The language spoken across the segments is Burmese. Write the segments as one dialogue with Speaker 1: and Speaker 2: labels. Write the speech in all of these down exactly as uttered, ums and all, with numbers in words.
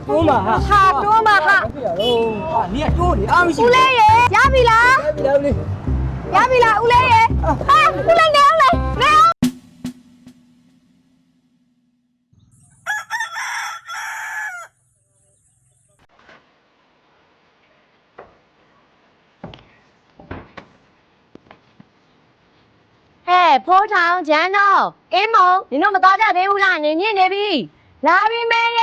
Speaker 1: တိုးမှာဟာ
Speaker 2: ဟာတိုးမှာဟာ
Speaker 1: ပြရတော့ဟာနင်ကတိုးနေအားမရှိ
Speaker 2: ဦးလေးရေရပြီလား
Speaker 1: ပြီလားဦးလေး
Speaker 2: ရပြီလားဦးလေးရေဟာဦးလေးနေအောင်လေနေအောင်ဟဲ့ဖိုးထောင်ဂျန်တော့အင်းမုံနင်တို့မသွားကြသေးဘူးလားနင်ညစ်နေပြီလာပြီမေရေ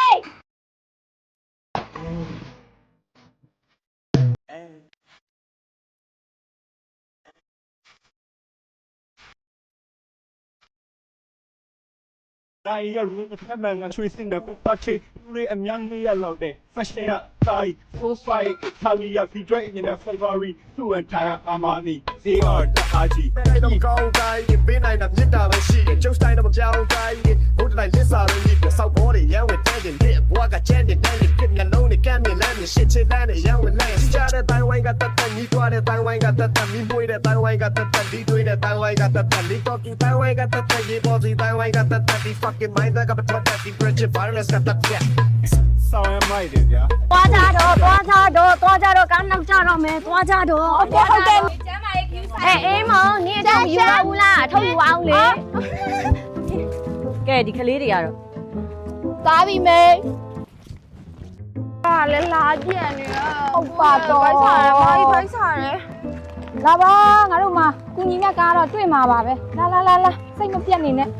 Speaker 3: တိုင်းရလို့ဖက်မှန်ကဆွေးစင်တဲ့ပတ်ချေလူအများကြီးရလောက်တဲ့ fashion ကတိုင်း full fight ဟာလီယာဖီဒရိတ်နေတဲ့ February သူ့ entire Armani they are the haji
Speaker 4: အဲ့တော့ကောင်းတိုင်းပေးနိုင်တာမြစ်တာပဲရှိတယ်ကျုပ်စတိုင်းတော့မပြောင်းတိုင်းဘုဒ္ဓတိုင်းလစ်စာလို့ဒီစောက်ဘောတွေရန်ဝင်တဲ့တဲ့ဒီဘွားကချမ်းတဲ့တန်းနဲ့ပြစ်မျက်လုံးနဲ့ကမ်းမြင်လမ်းနဲ့ရှစ်ချစ်တန်းနဲ့ရန်ဝင်လမ်းစီကြတဲ့တိုင်းဝိုင်းကတတ်တတ်ညီးတွားတဲ့တိုင်းဝိုင်းကတတ်တတ်မီးမွေးတဲ့တိုင်းဝိုင်းကတတ်တတ်ဒီတွေးတဲ့တိုင်းဝိုင်းကတတ်တတ်လီတော့ဒီတိုင်းဝိုင်းကတတ်တတ်ရေပေါ်စီတိုင်းဝိုင်းကတတ်တတ်ဒီ fucking mind ကပတ်သက်တဲ့ bridge virus ကတတ်တဲ့
Speaker 3: ဆောင်းရမိုက်တယ်ဗျာ
Speaker 2: သွားကြတော့သွားကြတော့သွားကြတော့ကားနောက်ကြတော့မယ်သွားကြတော့ဟုတ်တယ်ဟုတ်တယ်ကျမ်းမာရေး queue ဆိုင်အဲအေးမောင်နင်အထုတ်ယူပါဘူးလားအထုတ်ယူအောင်လေကဲဒီကလေးတွေကတော့သွားပြီမေဟာလဲလာကြည့်နေရဟုတ်ပါတော့ဖိုက်စားတယ်ဘာကြီးဖိုက်စားတယ်လာပါငါတို့မှာကုညီမြတ်ကားတော့တွေ့မှာပါပဲလာလာလာလာစိတ်မပြတ်နေနဲ့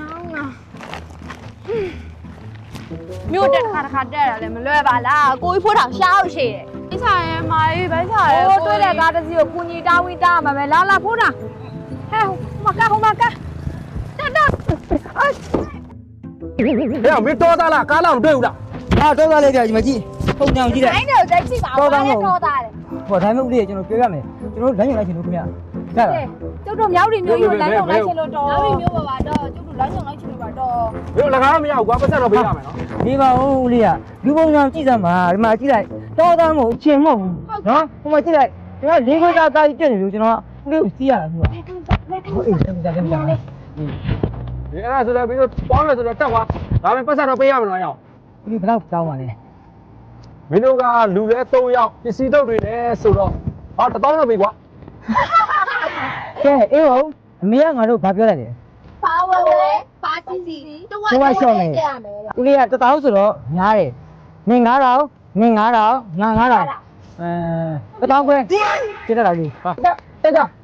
Speaker 2: မြို့တက်ခါတစ်ခါတက်ရတယ်မလွယ်ပါလားကိုကြီးဖိုးထောင်ရှားအောင်ရှိတယ်အိစားရဲမာကြီးဘိုက်စားရဲဟိုတွေ့တဲ့ကားတစ်စီးကိုကုညီတာဝီတာမှာပဲလာလာဖိုးထောင်ဟဲ့ဟိုမကဟိုမကတက်တက်အာ
Speaker 3: ဟဲ့မင်းတော်သားလားကားလားမတွေ့ဘူးလား
Speaker 1: ဟာတော့သားလေးကြာဒီမှာကြည့်ပုံညောင်ကြည့်တယ်
Speaker 2: အဲ့တော့ကြိုက်ကြည့်ပါဦးတော်သားတယ်
Speaker 1: ဟောဒါမှမဟုတ်လေကျွန်တော်ပြောရမယ်ကျွန်တော်လမ်းညွှန်လိုက်ချင်လို့ခင်ဗျာကြလား
Speaker 2: ကျုပ်တို့မြောက်ရီမျိုးကြီးကိုလမ်းညွှန်လိုက်ချင်လို့တော်မြောက်ရီမျိုးပါပါတော့ကျုပ်တို့လမ်းညွှန်လိုက်ချင်လို့ပါတော့
Speaker 3: ဘယ်လိုလကားမရဘူးကွာပတ်သက်တော့ပေးရမယ်နော်
Speaker 1: ဒီပါဦးလေးကလူပုံညောင်ကြည့်စမ်းပါဒီမှာကြည့်လိုက်တော့သားမဟုတ်အချင်းမဟုတ်ဘူးနော်ဟိုမှာကြည့်လိုက်ကျွန်တော်လေးခွေးသားသားကြီးပြည့်နေလို့ကျွန်တော်ဦးလေးကိုစီးရတာကွာဟုတ်အေးဆက်ကြကြကြ
Speaker 3: ဒီအဲ့ဒါဆိုတော့ပြီးတော့ပေါင်းမယ်ဆိုတော့တက်သွားဒါပေမဲ့ပတ်သက်တော့ပေးရမယ်နော်အောင်
Speaker 1: ဒီဘယ်တော့တောင်းပါလဲ
Speaker 3: မင်းတို့ကလူလဲ၃ယောက်ပစ္စည်းတုပ်တွေလဲဆိုတော့ဟာတစ်သောင်းတော့ပေးကွာ
Speaker 1: ကဲအေးဟုတ်အမေကငါတို့ဘာပြောလိုက်လဲ
Speaker 2: ပါဝယ်လေပါစီစီတဝက်
Speaker 1: ဦးလေးကတတောင်းဆိုတော့များတယ်နင်ငါးတောင်နင်ငါးတောင်ငါငါးတောင်အဲတတောင်းခွဲကြည့်ရတာလေးဟာတက်ကြ
Speaker 3: ဟေး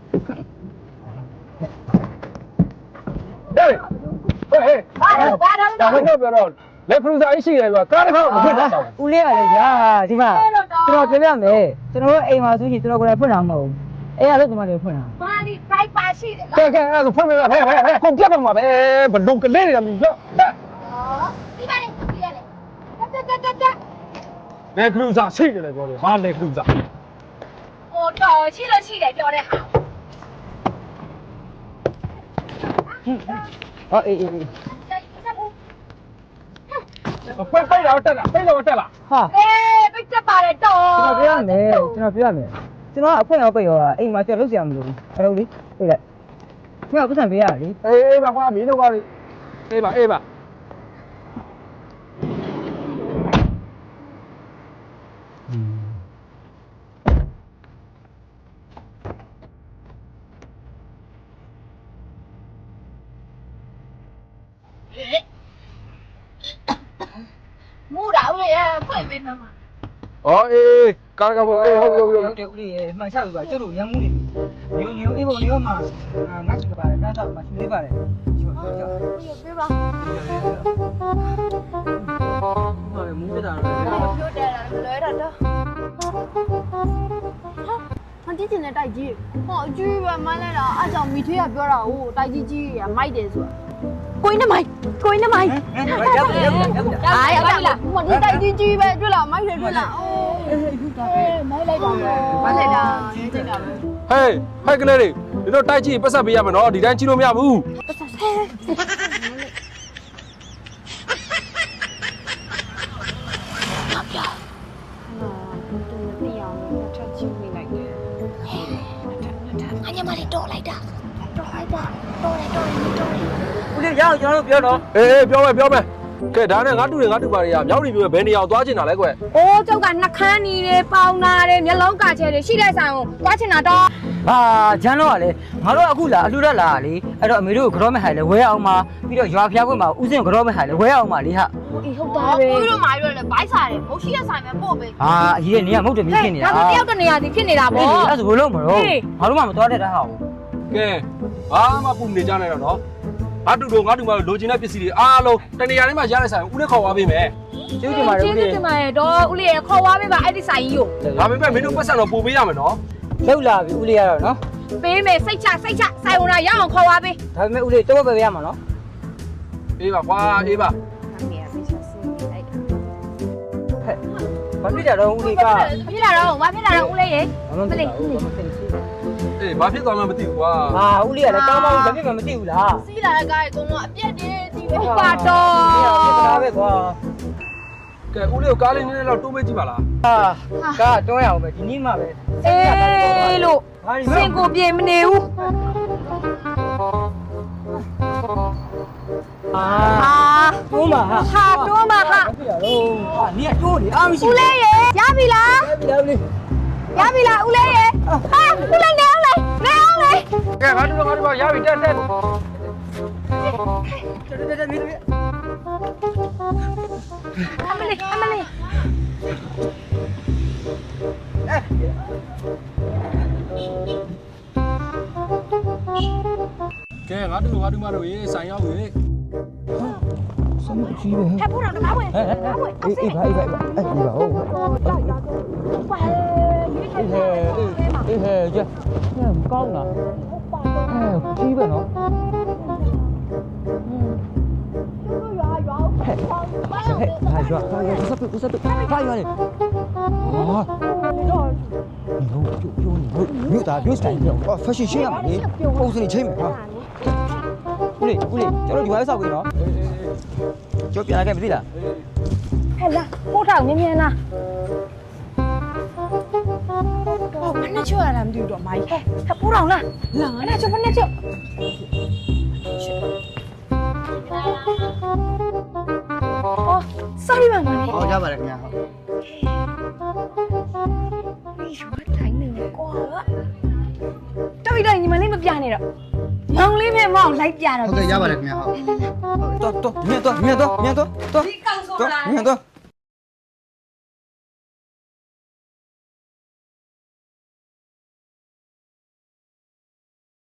Speaker 3: ဟေးဟေးဒါတော့ပြောတော့လက်ဖရူဇာအရှိတယ်ကွာကားတစ်ခါမဖွင့်တော့
Speaker 1: ဦးလေးကလည်းရာဒီမှာကျွန်တော်ပြောပြမယ်ကျွန်တော်တို့အိမ်မှာဆိုရင်ကျွန်တော်ကိုယ်တိုင်ဖွင့်တာမဟုတ်ဘူးအဲ့ရလို့ဒီမှာလေးဖွင့်တာ
Speaker 2: ပါဒီဖိုက်ပါရှိတယ်
Speaker 3: ကဲကဲအဲ့ဒါဆိုဖွင့်ပေးပါဟဲ့ဟဲ့ဟဲ့ကုန်ပြတ်ပါမှာပဲဘလုံကလေးတွေကမြည်တော့
Speaker 2: ဒီပါလေဒီရလေတက်တက်တက်တက်
Speaker 3: လက်ဖရူဇာရှိတယ်လေပြောတယ်ဟာလက်ဖရူဇာ
Speaker 2: ဟိုတော်ရှိလို့ရှိတယ်ပြောတဲ့ဟာ
Speaker 1: ဟောအေးအေးအေး
Speaker 3: ပိတ်ပိတ်တော့တက်လာပိတ်တော့တက်လာ
Speaker 1: ဟာ
Speaker 2: အေးပိတ်တက်ပါတယ်တော်
Speaker 1: ကျွန်တော်ပြောရမယ်ကျွန်တော်ပြောရမယ်ကျွန်တော်အဖွင့်အောင်ပိတ်ရောအိမ်မှာကျွန်တော်လုပ်စရာမလိုဘူးအဲ့လိုလေးပြေးလိုက်ခင်ဗျာပတ်စံပေးရလေ
Speaker 3: အေးပါကွာမင်းတို့ကလေအေးပါအေးပါ
Speaker 2: မူတာဦးရဲ့ဖွင့်ပေးမှာ
Speaker 3: အော်အေးကားကဘောအေးဟုတ်ဟုတ်ဟုတ်
Speaker 1: ဟုတ်တယ်ဦးလေးမှန်ချလို့ပါကျုပ်တို့ရမ်းမှုနေညိုညိုအေးဖို့ညိုမှာငါ့ချစ်ပါတယ်တန်းတော့မှရှင်လေးပါတယ်ကျော်ကျော်ကျော်
Speaker 2: ပြပါ
Speaker 1: ဟောမူးတာ
Speaker 2: ပြောတယ်လားလွဲတာတော့ဟာဒီတင်တဲ့တိုက်ကြီးဟောအကျူးပဲမိုင်းလိုက်တာအားကြောင့်မိထေးကပြောတာဟိုတိုက်ကြီးကြီးကမိုက်တယ်ဆိုတာကိုင်းနမိုင်းကိုင်းနမိုင်းအားရပါလားမဒီတိုက်ကြီးကြီးပဲတွေ့လားမိုက်တယ်တွေ့လားအိုးမိုက်လိုက်ပါမယ်မိုက်လိုက်တာချင်းချင်းတာပဲ
Speaker 3: ဟေးဟဲ့ကလေးတွေဒီတော့တိုက်ကြည့်ပတ်ဆက်ပေးရမယ်နော်ဒီတိုင်းကြည့်လို့မရဘူး
Speaker 2: ပတ်ဆက်ဆဲဘာပြဟာဘယ်လိုတရားလဲထပ်ချင်းမိလိုက်တယ်အညမလေးတော်လိုက်တာတော်လိုက်တာတော်တယ်တော်တယ်တော်တယ်
Speaker 1: ဦးလေးရအောင်ကျွန်တော်တို့ပြောတော့
Speaker 3: အေးအေးပြောမယ်ပြောမယ်
Speaker 5: ကဲဒါနဲ့ငါတူတယ်ငါတူပါတွေကမြောက်နေမျိုးပဲဘယ်နေရာသွားချင်တာလဲကွ
Speaker 2: အိုးကျောက်ကနှခမ်းနီတွေပေါင်နာတွေမျက်လုံးကာချဲတွေရှိတဲ့ဆိုင်ကိုသွားချင်တာတော့
Speaker 1: ဟာဂျန်တော့ကလေငါတို့အခုလာအလှူရက်လာလေအဲ့တော့အမေတို့ကိုကြောမဲ့ဟိုင်လေဝဲအောင်မှာပြီးတော့ရွာဖျားခွင့်မှာဥစဉ်ကြောမဲ့ဟိုင်လေဝဲအောင်မှာလေဟာ
Speaker 2: အေးဟုတ်တာပဲကိုတို့မာရီတို့လည်းဘိုက်စားတယ်မဟုတ်ရှိတဲ့ဆိုင်ပဲပို့ပဲ
Speaker 1: ဟာအကြီးကနေကမဟုတ်တယ်မြင်ဖြစ်နေတာ
Speaker 2: ဒါဆိုတယောက်တနေရာစီဖြစ်နေတာပေါ့
Speaker 1: အဲ့ဒါဆိုဘယ်လို့မလို့ငါတို့မှမသွားတဲ့တာဟာ
Speaker 5: ကဲဘာမှပူနေကြနေတော့နော်ငါတူတော့ငါတူမလိုချင်တဲ့ပစ္စည်းတွေအားလုံးတနေရာထဲမှာရတဲ့ဆိုင်ဦးနဲ့ခေါ်သွားပေးမယ်
Speaker 1: ကျေးဇူးတင်ပါတယ်ဦးလေး
Speaker 2: ကျေးဇူးတင်ပါတယ်တော့ဦးလေးရခေါ်သွားပေးပါအဲ့ဒီဆိုင်ကြီးကို
Speaker 5: ဒါပေမဲ့မင်းတို့ပတ်စံတော့ပို့ပေးရမယ်နော်
Speaker 1: လောက်လာပြီဦးလေးရတော့နော်
Speaker 2: ပေးမယ်စိတ်ချစိတ်ချဆိုင်ဝင်လာရအောင်ခေါ်သွားပေး
Speaker 1: ဒါပေမဲ့ဦးလေးတော့ပဲပဲရမှာနော်
Speaker 5: အေးပါကွာအေးပါ
Speaker 1: ဘာဖြစ်ကြတော့ဦးလေးက
Speaker 2: ဖြစ်လာတော့ဘာဖြစ်လာတော့ဦးလေးရေ
Speaker 1: မမလေးဦးလေး
Speaker 5: အေးဘာဖြစ်သွားမှမသိဘူးကွာ
Speaker 1: ဟာဦးလေးကလည်းကောင်းပါဘူးဘာဖြစ်မှမသိဘူးလား
Speaker 2: စီးလာတဲ့ကားကြီးကတော့အပြက်တည်းဒီပဲပါတော့
Speaker 1: ဒါပဲကွာ
Speaker 5: ကဲဦးလေးကိုကားလေးနည်းနည်းတော့တိုးပေးကြည့်ပါလား
Speaker 1: ဟာကားတွန်းရအောင်ပဲဒီနေ့မှပဲ
Speaker 2: အေးလို့စင်ကိုပြေမနေဘူး
Speaker 1: အာ
Speaker 2: အာ
Speaker 1: တွန်းပါဟာ
Speaker 2: ဟာတွန်းပါဟာ
Speaker 1: ဖြစ်ရတော့ဟာနေကတွန်းနေအားမရှိ
Speaker 2: ဦးလေးရေရပြီလား
Speaker 1: ဘူးလေ
Speaker 2: ရပြီလားဦးလေးရေဟာဦးလေးနေအောင်လေနေအောင်လေ
Speaker 5: ကဲငါတူတော့ငါတူပါရပြီတက်တက်
Speaker 1: တက်တက်တက်မင်းတို့
Speaker 2: အမလေးအမလေး
Speaker 5: ကဲငါတူငါတူမတို့ရေးဆိုင်ရောက်ပြီ
Speaker 1: စမကြီးပဲ
Speaker 2: ထပ်ဖို့တော့တကားဝင်တကားဝင်အောက်
Speaker 1: အေး
Speaker 2: စီ
Speaker 1: အေးပါအေးပါအေးပါဟုတ်
Speaker 2: ပါဒီခေ
Speaker 1: အေးဟဲအေးဟဲကြညမကောင်းလားအဲကြီးပဲနော်
Speaker 2: ရွာရွာဟဲ့
Speaker 1: ဟဲ့ဟာရွာဟာရွာစပ်စပ်စပ်ဟာရွာလေဟာဒီတော့ပြောပြောနေမြို့သားမြို့စတိုင်ပြောအော်ဖက်ရှင်ရှင်းရမှာလေပုံစံချင်းမယ်ဟာဦးလေးဦးလေးကျွန်တော်ဒီမှာဆောက်ပြီနော်ကျော်ပြန်လာခဲ့ပြီလား
Speaker 2: ဟဲ့လားပို့ထောင်မြင်းမြင်းလားဟောဘယ်နဲ့ချောရတာမသိဘူးတော့မိုင်းဟဲ့ဟဲ့ပို့ထောင်လားလာအဲ့ဒါချောဘယ်နဲ့ချောအော် sorry ပါမလေး
Speaker 1: ဟောရပါတယ်ခင်ဗျာဟုတ်
Speaker 2: ဒီရွာတိုင်းနေကွာတော်ပြီတော့ညီမလေးမပြနဲ့တော့မောင်လေးနဲ့မောင်လိုက်ပြတော့
Speaker 1: ဟုတ်ကဲ့ရပါတယ်ခင်ဗျာဟုတ်တော်တော်မြင်တော့မြင်တော့မြင်တော့တော်
Speaker 2: ဒီကောင်ဆိုတာ
Speaker 1: မြင်တော့